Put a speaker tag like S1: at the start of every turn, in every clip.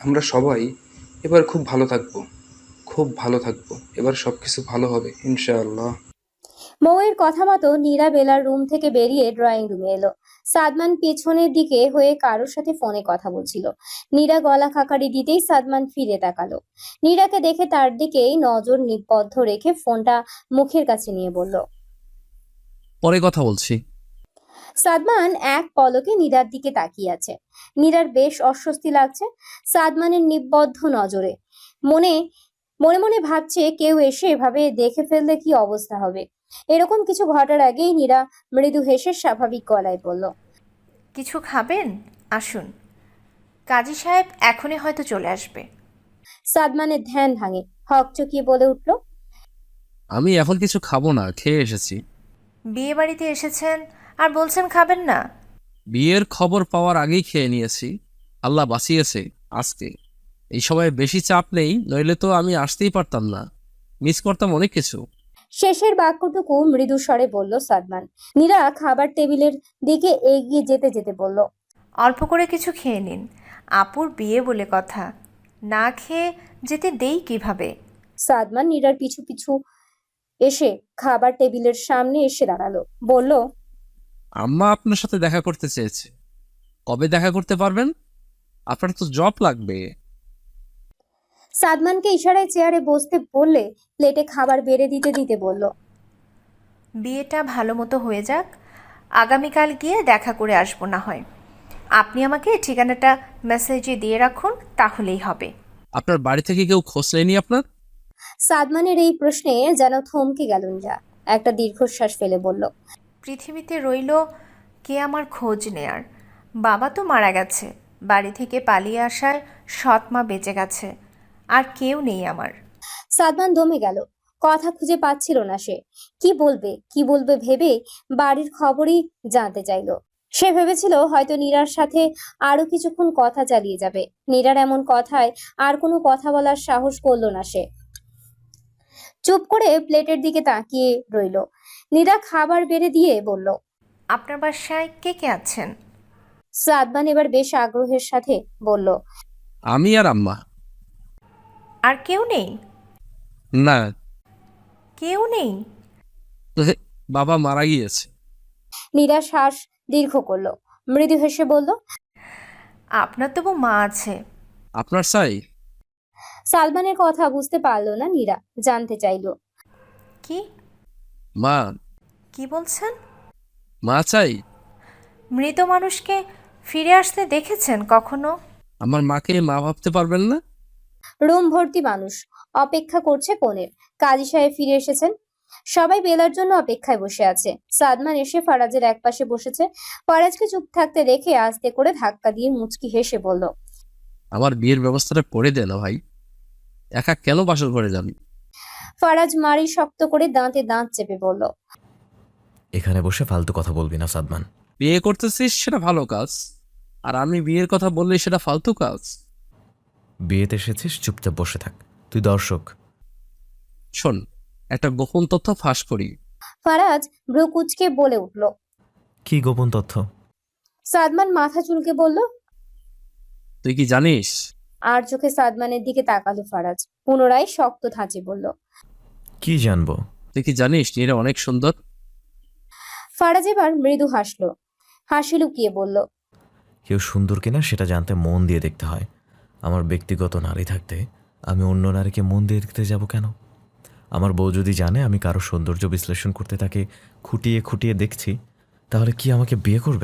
S1: আমরা সবাই এবার খুব ভালো থাকবো, খুব ভালো থাকবো। এবার সবকিছু ভালো হবে ইনশাআল্লাহ।
S2: মৌয়ের কথা মতো নীরা বেলার রুম থেকে বেরিয়ে ড্রয়িং রুমে এলো। সাদমান পেছনের দিকে হয়ে কারোর সাথে ফোনে কথা বলছিল। নীরা গলা খাকারি দিতেই সাদমান ফিরে তাকালো। নীরাকে দেখে তার দিকেই নজর নিবদ্ধ রেখে ফোনটা মুখের কাছে নিয়ে বলল,
S3: পরে কথা বলছি।
S2: সাদমান এক পলকে নীরার দিকে তাকিয়ে আছে। নীরার বেশ অস্বস্তি লাগছে সাদমানের নিবদ্ধ নজরে। মনে মনে মনে ভাবছে কেউ এসে এভাবে দেখে ফেললে কি অবস্থা হবে। এরকম কিছু ঘটার আগেই নীরা মৃদু হেসে স্বাভাবিক গলায় বলল,
S4: কিছু খাবেন? আসুন, কাজী সাহেব এখনই হয়তো চলে আসবে।
S2: সাদমানের ধ্যান ভাঙে, হকচকিয়ে বলে উঠল,
S3: আমি এখন কিছু খাবো না, খেয়ে এসেছি।
S4: বিয়ে বাড়িতে এসেছেন আর বলছেন খাবেন না?
S3: বিয়ের খবর পাওয়ার আগেই খেয়ে নিয়েছি। আল্লাহ বাঁচিয়েছে আজকে। এই সময় বেশি চাপ নেই, নইলে তো আমি আসতেই পারতাম না, মিস করতাম অনেক কিছু।
S2: শেষের বাক্যটুকু মৃদু স্বরে বলল সাদমান। নীরা খাবার টেবিলের দিকে এগিয়ে যেতে যেতে বলল,
S4: অল্প করে কিছু খেয়ে নিন, আপুর বিয়ে বলে কথা, না খেয়ে যেতে দেই কিভাবে?
S2: সাদমান নীরার পিছু পিছু এসে খাবার টেবিলের সামনে এসে দাঁড়ালো, বলল,
S3: আম্মা আপনার সাথে দেখা করতে চেয়েছে। কবে দেখা করতে পারবেন? আপনার তো জব লাগবে।
S2: সাদমানকে ইশারায় চেয়ারে বসতে বললে প্লেটে খাবার বেড়ে দিতে দিতে বলল,
S4: বিয়েটা ভালো মতো হয়ে যাক, আগামীকাল গিয়ে দেখা করে আসবো না হয়। আপনি আমাকে ঠিকানাটা মেসেজে দিয়ে রাখুন, তাহলেই হবে।
S3: আপনার বাড়ি থেকে কেউ খোঁজ নেয়নি আপনার?
S2: সাদমানের এই প্রশ্নে যেন থমকে গেল নীরা। একটা দীর্ঘশ্বাস ফেলে বলল,
S4: পৃথিবীতে রইল কে আমার খোঁজ নেয়ার? বাবা তো মারা গেছে, বাড়ি থেকে পালিয়ে আসায় সৎ মা বেঁচে গেছে, আর কেউ নেই আমার।
S2: সাদমান দমে গেল। কথা খুঁজে পাচ্ছিল না সে। কি বলবে ভেবে বাড়ির খবরই জানতে চাইলো। সে ভেবেছিল হয়তো নীরার সাথে আরো কিছুক্ষণ কথা চালিয়ে যাবে। নীরার এমন কথায় আর কোনো কথা বলার সাহস করলো না সে। চুপ করে প্লেটের দিকে তাকিয়ে রইল। নীরা খাবার বেড়ে দিয়ে বলল,
S4: আপনার বাসায় কে কে আছেন?
S2: সাদমান এবার বেশ আগ্রহের সাথে বলল,
S3: আমি আর আম্মা।
S4: আর কেউ নেই?
S3: না,
S4: কেউ নেই?
S3: বাবা মারা গিয়েছে।
S2: নীরা শ্বাস দীর্ঘ করলো, মৃদু হেসে বলল,
S4: আপনার তবু মা আছে।
S3: আপনার চাই?
S2: সালমানের কথা বুঝতে পারলো না নীরা, জানতে চাইলো,
S4: কি
S3: মা।
S4: কি বলছেন?
S3: মা চাই?
S4: মৃত মানুষকে ফিরে আসতে দেখেছেন কখনো?
S3: আমার মাকে মা ভাবতে পারবেন না?
S2: রুম ভর্তি মানুষ অপেক্ষা করছে কনের। কাজী সাহেব ফিরে এসেছেন। সবাই বেলার জন্য অপেক্ষায় বসে আছে। সাদমান এসে ফারাজের একপাশে বসেছে। ফারাজকে চুপ থাকতে দেখে আস্তে করে ধাক্কা দিয়ে মুচকি হেসে বলল,
S3: আমার বিয়ের ব্যবস্থাটা করে দে না ভাই, একা কেন বাসর ঘরে যাবি?
S2: ফারাজ মারি শক্ত করে দাঁতে দাঁত চেপে বলল,
S5: এখানে বসে ফালতু কথা বলবি না সাদমান।
S3: বিয়ে করতেছিস সেটা ভালো কাজ, আর আমি বিয়ের কথা বললে সেটা ফালতু কাজ।
S5: বিয়েতে এসেছিস, চুপচাপ বসে থাক। তুই দর্শক।
S3: শোন, একটা গোপন তথ্য ফাঁস করি।
S2: ফারাজ ভ্রু কুঁচকে বলে উঠল।
S5: কি গোপন তথ্য?
S2: সাদমান মাথা চুলকে বলল।
S3: তুই কি জানিস?
S2: আর চোখে সাদমানের দিকে তাকালো ফারাজ, পুনরায় শক্ত ধাঁচে বলল,
S5: কি জানবো?
S3: তুই কি জানিস নীরা অনেক সুন্দর?
S2: ফারাজ এবার মৃদু হাসলো, হাসি লুকিয়ে বলল,
S5: কেউ সুন্দর কিনা সেটা জানতে মন দিয়ে দেখতে হয়। আমার ব্যক্তিগত নারী থাকতে আমি অন্য নারীকে মন দিয়ে দেখতে যাব কেন? আমার বউ যদি জানে আমি কারো সৌন্দর্য বিশ্লেষণ করতে তাকে খুঁটিয়ে খুঁটিয়ে দেখছি, তাহলে কি আমাকে বিয়ে করবে?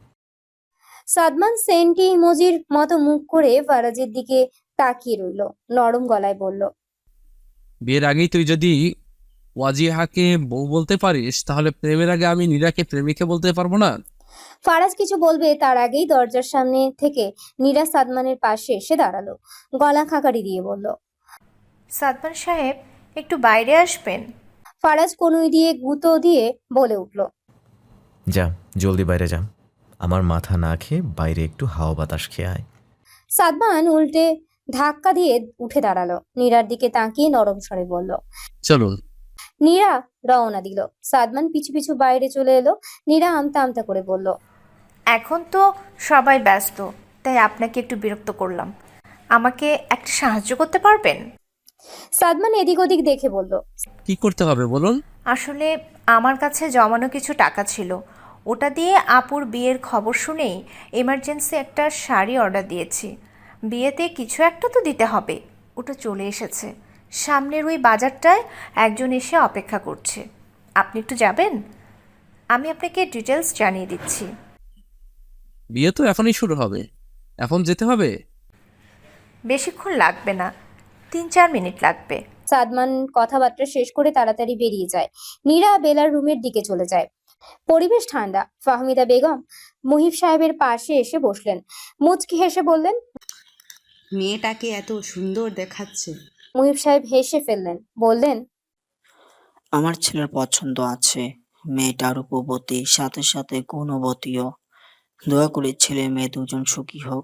S2: সাদমান সেন্টি ইমোজির মতো মুখ করে ফারাজের দিকে তাকিয়ে রইল, নরম গলায় বলল,
S3: বিয়ের আগেই তুই যদি ওয়াজিহাকে বউ বলতে পারিস, তাহলে প্রেমের আগে আমি নীরাকে প্রেমিকা বলতে পারবো না?
S2: ফারাজ কিছু বলবে তার আগেই দরজার সামনে থেকে নীরা সাদমানের পাশে এসে দাঁড়ালো, গলা খাকারি দিয়ে বলল,
S4: সাদমান সাহেব, একটু বাইরে আসবেন?
S2: ফারাজ কনুই দিয়ে গুঁতো দিয়ে বলে উঠল,
S5: যা, জলদি বাইরে যা। আমার মাথা না খেয়ে বাইরে একটু হাওয়া বাতাস খেয়ে আয়।
S2: সাদমান উল্টে ধাক্কা দিয়ে উঠে দাঁড়ালো, নীরার দিকে তাকিয়ে নরম স্বরে বলল।
S3: চলুন।
S2: নীরা রওনা দিল। সাদমান পিছু পিছু বাইরে চলে এলো। নীরা আমতা আমতা করে বলল,
S4: এখন তো সবাই ব্যস্ত, তাই আপনাকে একটু বিরক্ত করলাম। আমাকে একটা সাহায্য করতে পারবেন?
S2: সাদমান এদিক ওদিক দেখে বলল,
S3: কি করতে হবে বলুন?
S4: আসলে আমার কাছে জমানো কিছু টাকা ছিল, ওটা দিয়ে আপুর বিয়ের খবর শুনেই এমার্জেন্সি একটা শাড়ি অর্ডার দিয়েছি। বিয়েতে কিছু একটা তো দিতে হবে। ওটা চলে এসেছে, সামনের ওই বাজারটায় একজন এসে অপেক্ষা করছে। আপনি একটু যাবেন? আমি আপনাকে ডিটেলস জানিয়ে দিচ্ছি।
S3: বিয়ে তো এখনই শুরু হবে, এখন যেতে হবে?
S4: বেশিক্ষণ লাগবে না, 3-4 মিনিট লাগবে।
S2: সাদমান কথাবার্তা শেষ করে তাড়াতাড়ি বেরিয়ে যায়। নীরা বেলার রুমের দিকে চলে যায়। পরিবেশ ঠান্ডা। ফাহমিদা বেগম মুহিব সাহেবের পাশে এসে বসলেন। মুচকি হেসে বললেন,
S6: মেয়েটাকে এত সুন্দর দেখাচ্ছে।
S2: মুহিব সাহেব হেসে ফেললেন, বললেন,
S7: আমার ছেলের পছন্দ আছে। মেয়েটা রূপবতী, সাথে সাথে গুণবতীও। দোয়া করি ছেলে মেয়ে দুজন সুখী হোক।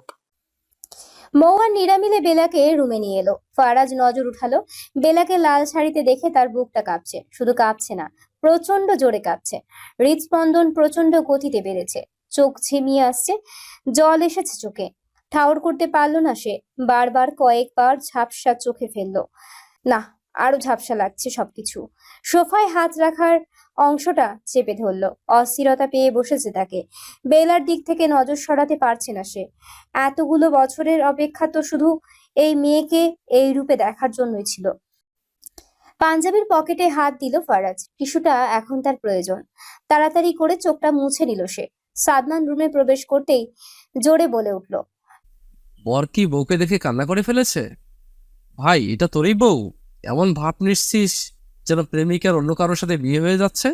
S2: মৌ আর নীরা মিলে বেলাকে রুমে নিয়ে এলো। ফারাজ নজর উঠালো। বেলাকে লাল শাড়িতে দেখে তার বুকটা কাঁপছে। শুধু কাঁপছে না, প্রচন্ড জোরে কাঁপছে। হৃদস্পন্দন প্রচন্ড গতিতে বেড়েছে। চোখ ঝিমিয়ে আসছে, জল এসেছে চোখে। ঠাউর করতে পারলো না সে। বারবার কয়েকবার ঝাপসা চোখে ফেললো। না, আরো ঝাপসা লাগছে সবকিছু। সোফায় হাত রাখার অংশটা চেপে ধরলো। অস্থিরতা পেয়ে বসেছে তাকে। বেলার দিক থেকে নজর সরাতে পারছে না সে। এতগুলো বছরের অপেক্ষা তো শুধু এই মেয়েকে এই রূপে দেখার জন্যই ছিল। পাঞ্জাবির পকেটে হাত দিল ফারাজ। টিস্যুটা এখন তার প্রয়োজন। তাড়াতাড়ি করে চোখটা মুছে নিল সে। সাদমান রুমে প্রবেশ করতেই জোরে বলে উঠল,
S3: বর কি বউকে দেখে কান্না করে ফেলেছে? ভাই, এটা তোরই বউ? এমন ভাব নিচ্ছিস যেন প্রেমিকার অন্য কারোর সাথে বিয়ে হয়ে যাচ্ছে।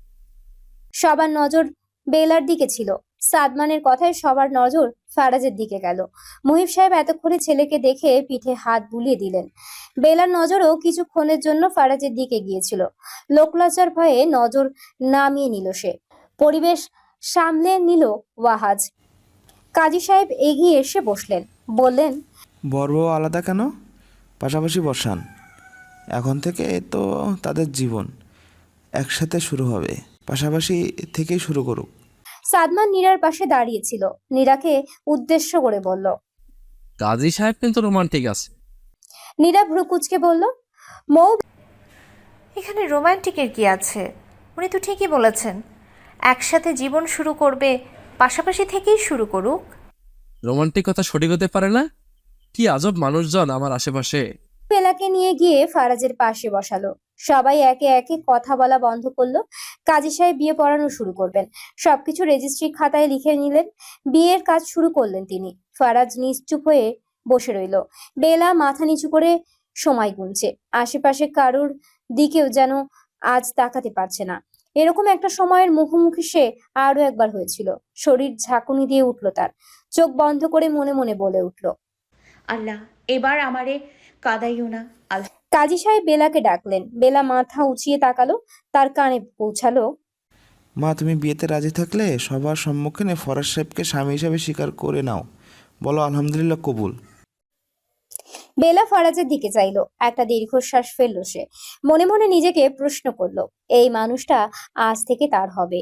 S2: সবার নজর বেলার দিকে ছিল। সাদমানের কথায় সবার নজর ফারাজের দিকে গেল। মুহিব সাহেব এতক্ষণে ছেলেকে দেখে পিঠে হাত বুলিয়ে দিলেন। বেলার নজরও কিছুক্ষণের জন্য ফারাজের দিকে গিয়েছিল। লোকলজ্জার ভয়ে নজর নামিয়ে নিল সে। পরিবেশ সামলে নিল ওয়াহাজ। কাজী সাহেব এগিয়ে এসে বসলেন, বললেন,
S8: বর বউ আলাদা কেন? পাশাপাশি বসান। এখন থেকে তো তাদের জীবন একসাথে শুরু হবে, পাশাপাশি থেকেই শুরু করুক।
S2: সাদমান নীরার পাশে দাঁড়িয়েছিল। নীরাকে উদ্দেশ্য করে বলল।
S3: কাজী সাহেব কিন্তু রোমান্টিক আছে।
S2: নীরা ভ্রু কুঁচকে বলল, মৌ,
S4: এখানে রোমান্টিকের কি আছে? উনি তো ঠিকই বলেছেন, একসাথে জীবন শুরু করবে, পাশাপাশি থেকেই শুরু করুক।
S3: রোমান্টিক কথা সঠিক হতে পারে না? কি আজব মানুষজন আমার আশেপাশে।
S2: বেলাকে নিয়ে গিয়ে ফারাজের পাশে বসালো। সবাই একে একে কথা বলা বন্ধ করলো। কাজী সাহেব বিয়ে পড়ানো শুরু করবেন। সবকিছু রেজিস্ট্রি খাতায় লিখে নিলেন। বিয়ের কাজ শুরু করলেন তিনি। ফারাজ নিশ্চুপ হয়ে বসে রইল। বেলা মাথা নিচু করে সময় গুনছে। আশেপাশে কারুর দিকেও যেন আজ তাকাতে পারছে না। এরকম একটা সময়ের মুখোমুখি সে আরো একবার হয়েছিল। শরীর ঝাঁকুনি দিয়ে উঠল তার। চোখ বন্ধ করে মনে মনে বলে উঠল,
S6: আল্লাহ, এবার আমারে কাদাইও না। আল্লাহ।
S2: কাজী সাহেব বেলাকে ডাকলেন। বেলা মাথা উঁচিয়ে তাকালো। তার কানে পৌঁছালো,
S8: মা, তুমি বিয়েতে রাজি থাকলে সবার সম্মুখে ফরাজ সাহেবকে স্বামী হিসাবে স্বীকার করে নাও। বলো আলহামদুলিল্লাহ, কবুল।
S2: বেলা ফারাজের দিকে চাইলো। একটা দীর্ঘশ্বাস ফেললো সে। মনে মনে নিজেকে প্রশ্ন করলো, এই মানুষটা আজ থেকে তার হবে।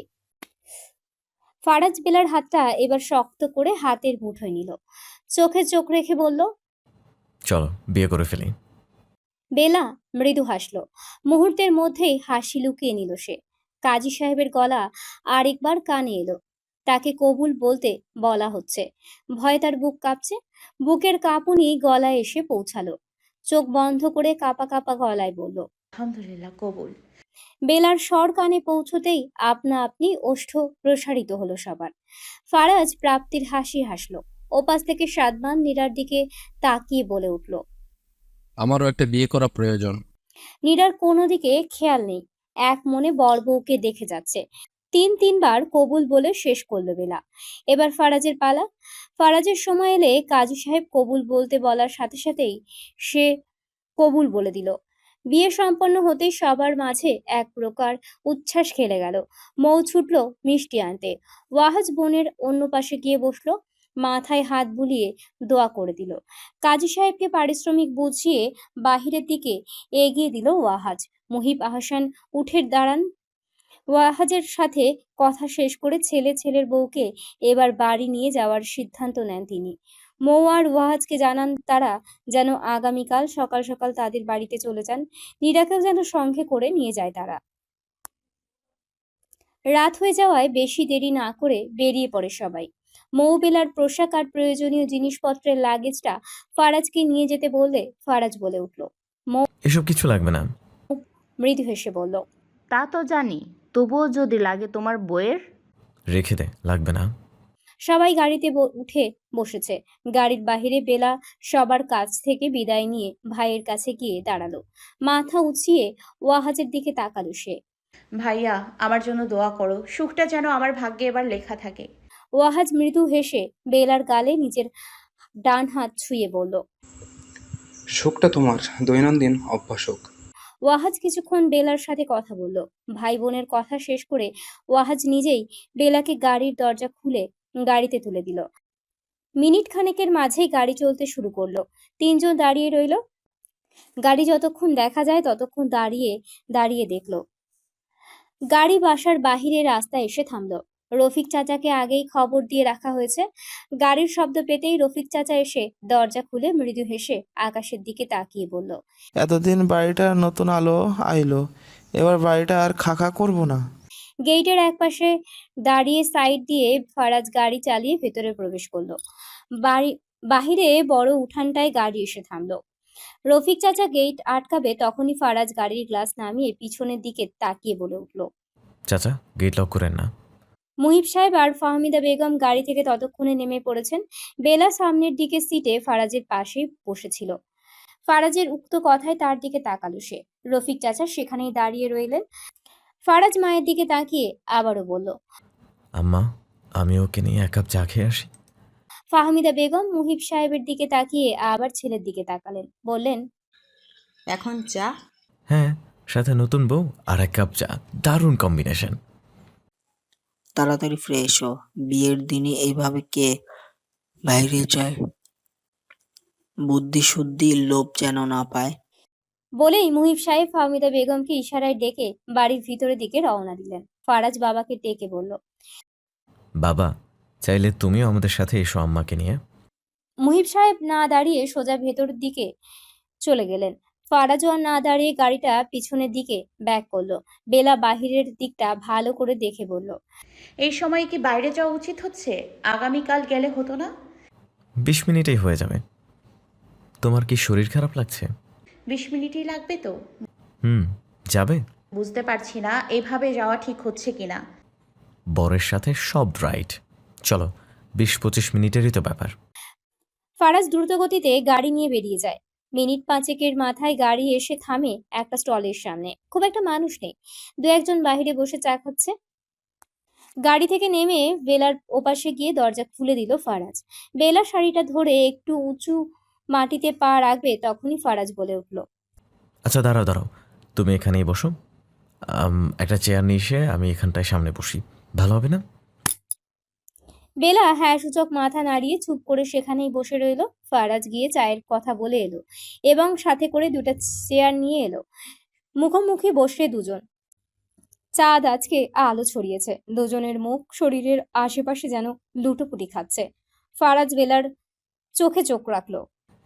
S2: ফারাজ বেলার হাতটা এবার শক্ত করে হাতের মুঠোয় নিল। চোখে চোখ রেখে বলল,
S5: চলো বিয়ে করে ফেলি।
S2: বেলা মৃদু হাসলো। মুহূর্তের মধ্যেই হাসি লুকিয়ে নিল সে। কাজী সাহেবের গলা আরেকবার কানে এলো। তাকে কবুল বলতে বলা হচ্ছে। ভয়ে তার বুক কাঁপছে। বুকের কাঁপুনি গলায় এসে পৌঁছালো। চোখ বন্ধ করে কাঁপা কাঁপা গলায় বলল,
S6: আলহামদুলিল্লাহ, কবুল।
S2: বেলার স্বর কানে পৌঁছতেই আপনা আপনি ওষ্ঠ প্রসারিত হলো সবার। ফারাজ প্রাপ্তির হাসি হাসলো। ওপাশ থেকে সাদমান নীরার দিকে তাকিয়ে বলে উঠল।
S3: আমারও একটা বিয়ে করা প্রয়োজন।
S2: নীরার কোনো দিকে খেয়াল নেই। এক মনে বর বউকে দেখে যাচ্ছে। তিনবার কবুল বলে শেষ করলো বেলা। এবার ফারাজের পালা। ফারাজের সময় এলে কাজী সাহেব কবুল বলতে বলার সাথে সাথেই সে কবুল বলে দিল। বিয়ে সম্পন্ন হতেই সবার মাঝে এক প্রকার উচ্ছ্বাস খেলে গেল। মৌ ছুটল মিষ্টি আনতে। ওয়াহাজ বোনের অন্য পাশে গিয়ে বসলো। মাথায় হাত বুলিয়ে দোয়া করে দিল। কাজী সাহেবকে পারিশ্রমিক বুঝিয়ে বাহিরের দিকে এগিয়ে দিল ওয়াহাজ। মুহিব আহসান উঠে দাঁড়ান। ওয়াহাজের সাথে কথা শেষ করে ছেলের বউকে এবার বাড়ি নিয়ে যাওয়ার সিদ্ধান্ত নেন তিনি। মৌ আর ওয়াহাজকে জানান তারা যেন আগামীকাল সকাল সকাল তাদের বাড়িতে চলে যান। নীরাকেও যেন সঙ্গে করে নিয়ে যায় তারা। রাত হয়ে যাওয়ায় বেশি দেরি না করে বেরিয়ে পড়ে সবাই। মৌ বেলার পোশাক আর প্রয়োজনীয় জিনিসপত্রের লাগেজটা ফারাজকে নিয়ে যেতে বললে ফারাজ বলে উঠল।
S5: এসব কিছু লাগবে না।
S2: মৃদু হেসে বলল,
S6: তা তো জানি, তবুও যদি লাগে তোমার বইয়ের।
S5: রেখে দে, লাগবে না।
S2: সবাই গাড়িতে উঠে বসেছে। গাড়ির বাহিরে বেলা সবার কাছ থেকে বিদায় নিয়ে ভাইয়ের কাছে গিয়ে দাঁড়ালো। মাথা উঁচিয়ে ওয়াহাজের দিকে তাকালো সে।
S6: ভাইয়া, আমার জন্য দোয়া করো, সুখটা যেন আমার ভাগ্যে এবার লেখা থাকে।
S2: ওয়াহাজ মৃদু হেসে বেলার গালে নিজের ডান হাত ছুঁয়ে বলল।
S1: শোকটা তোমার দৈনন্দিন অভ্যাস হোক।
S2: ওয়াহাজ কিছুক্ষণ বেলার সাথে কথা বলল। ভাই বোনের কথা শেষ করে ওয়াহাজ নিজেই বেলাকে গাড়ির দরজা খুলে গাড়িতে তুলে দিল। মিনিট খানেকের মাঝেই গাড়ি চলতে শুরু করলো। তিনজন দাঁড়িয়ে রইল। গাড়ি যতক্ষণ দেখা যায় ততক্ষণ দাঁড়িয়ে দাঁড়িয়ে দেখলো। গাড়ি বাসার বাহিরে রাস্তায় এসে থামলো। রফিক চাচাকে আগেই খবর দিয়ে রাখা হয়েছে। গাড়ির শব্দ পেতেই রফিক চাচা এসে দরজা খুলে মৃদু হেসে আকাশের দিকে তাকিয়ে বলল,
S8: এতদিন বাড়িটা নতুন আলো আইলো, এবার বাড়িটা আর খাখা করব না।
S2: গেটের একপাশে দাঁড়িয়ে সাইড দিয়ে ফারাজ গাড়ি চালিয়ে ভেতরে প্রবেশ করলো। বাহিরে বড় উঠানটায় গাড়ি এসে থামলো। রফিক চাচা গেট আটকাবে তখনই ফারাজ গাড়ির গ্লাস নামিয়ে পিছনের দিকে তাকিয়ে বলে উঠল।
S5: চাচা, গেট লক করেন না।
S2: মুহিব সাহেব আর ফাহমিদা বেগম গাড়ি থেকে ততক্ষণে নেমে পড়েছেন। বেলা সামনের দিকে সিটে ফারাজের পাশেই বসেছিল। ফারাজের উক্ত কথায় তার দিকে তাকালো সে। রফিক চাচা সেখানেই দাঁড়িয়ে রইলেন। ফারাজ মায়ের দিকে তাকিয়ে আবারও বলল,
S5: আম্মা, আমি ওকে নিয়ে এক কাপ চা খেয়ে আসি।
S2: ফাহমিদা বেগম মুহিব সাহেবের দিকে তাকিয়ে আবার ছেলের দিকে তাকালেন, বললেন,
S9: এখন চা?
S5: হ্যাঁ, সাথে নতুন বউ আর এক কাপ চা, দারুণ কম্বিনেশন।
S7: তাড়াতাড়ি ফ্রেশ হো, বিয়ের দিনই এইভাবে কে বাইরে যায়, বুদ্ধি শুদ্ধি লোভ যেন না পায়।
S2: বলেই মুহিব সাহেব ফাহমিদা বেগমকে ইশারায় ডেকে বাড়ির ভিতরের দিকে রওনা দিলেন। ফারাজ বাবাকে ডেকে বলল,
S5: বাবা, চাইলে তুমিও আমাদের সাথে এসো আম্মাকে নিয়ে।
S2: মুহিব সাহেব না দাঁড়িয়ে সোজা ভেতরের দিকে চলে গেলেন। ফারাজও আর না দাঁড়িয়ে গাড়িটা পিছনের দিকে ব্যাক করলো। বেলা বাহিরের দিকটা ভালো করে দেখে বলল,
S6: এই সময় কি বাইরে যাওয়া উচিত হচ্ছে? আগামীকাল গেলে হতো না?
S5: 20 মিনিটেই হয়ে যাবে। তোমার কি শরীর খারাপ লাগছে?
S6: 20 মিনিটই লাগবে তো?
S5: যাবে?
S6: বুঝতে পারছি না এভাবে যাওয়া ঠিক হচ্ছে কিনা।
S5: বরের সাথে সব রাইট। চলো, 20-25 মিনিটেরই তো ব্যাপার।
S2: ফারাজ দ্রুত গতিতে গাড়ি নিয়ে বেরিয়ে যায়। মিনিট পাঁচেকের মাথায় গাড়ি এসে থামে একটা স্টলের সামনে। খুব একটা মানুষ নেই, দু একজন বাহিরে বসে চা খাচ্ছে। গাড়ি থেকে নেমে বেলার ওপাশে গিয়ে দরজা খুলে দিল ফারাজ। বেলা শাড়িটা ধরে একটু উঁচু মাটিতে পা রাখবে তখনই ফারাজ বলে উঠল,
S5: আচ্ছা, দাঁড়াও দাঁড়াও, তুমি এখানেই বসো। একটা চেয়ার নিয়ে এসে আমি এখানটায় সামনে বসি, ভালো হবে না?
S2: বেলা হ্যাঁ সূচক মাথা নাড়িয়ে চুপ করে সেখানেই বসে রইল। ফারাজ গিয়ে চায়ের কথা বলে এলো এবং সাথে করে দুটো চেয়ার নিয়ে এলো। মুখোমুখি বসে দুজন। চাঁদ আজকে আলো ছড়িয়েছে। দুজনের মুখ শরীরের আশেপাশে যেন লুটোপুটি খাচ্ছে। ফারাজ বেলার চোখে চোখ রাখলো।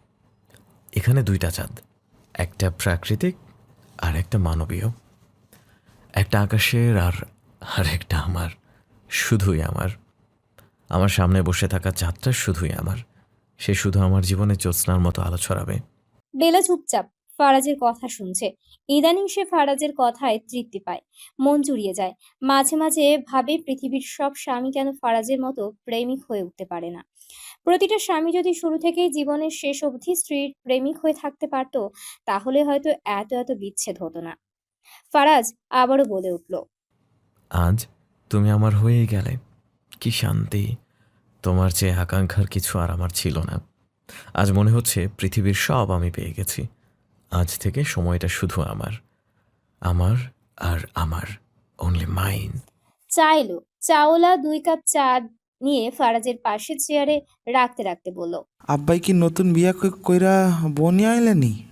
S5: এখানে দুইটা চাঁদ, একটা প্রাকৃতিক আর একটা মানবীয়, একটা আকাশের আর একটা আমার, শুধুই আমার। আমার সামনে বসে থাকা চাঁদটা শুধুই আমার, সে শুধু আমার জীবনে জ্যোৎস্নার মতো আলো ছড়াবে।
S2: বেলা চুপচাপ ফারাজের কথা শুনছে। ইদানিং সে ফারাজের কথায় তৃপ্তি পায়, মন জুড়িয়ে যায়। মাঝে মাঝে ভাবে পৃথিবীর সব স্বামী কেন ফারাজের মতো প্রেমিক হয়ে উঠতে পারে না। প্রতিটা স্বামী যদি শুরু থেকেই জীবনের শেষ অবধি স্ত্রীর প্রেমিক হয়ে থাকতে পারত, তাহলে হয়তো এত এত বিচ্ছেদ হতো না। ফারাজ আবারও বলে উঠল,
S5: আজ তুমি আমার হয়েই গেলে, কি শান্তি। তোমার চেয়ে আকাঙ্ক্ষার কিছু আর আমার ছিল না। আজ মনে হচ্ছে পৃথিবীর সব আমি পেয়ে গেছি। আজ থেকে সময়টা শুধু আমার, আমার আর আমার, অনলি মাইন।
S2: চা এলো। চাওলা 2 কাপ চা নিয়ে ফারাজের পাশের চেয়ারে রাখতে রাখতে বলল,
S8: আব্বাই কি নতুন বিয়া কইরা বউ নিয়ে আইলেনি?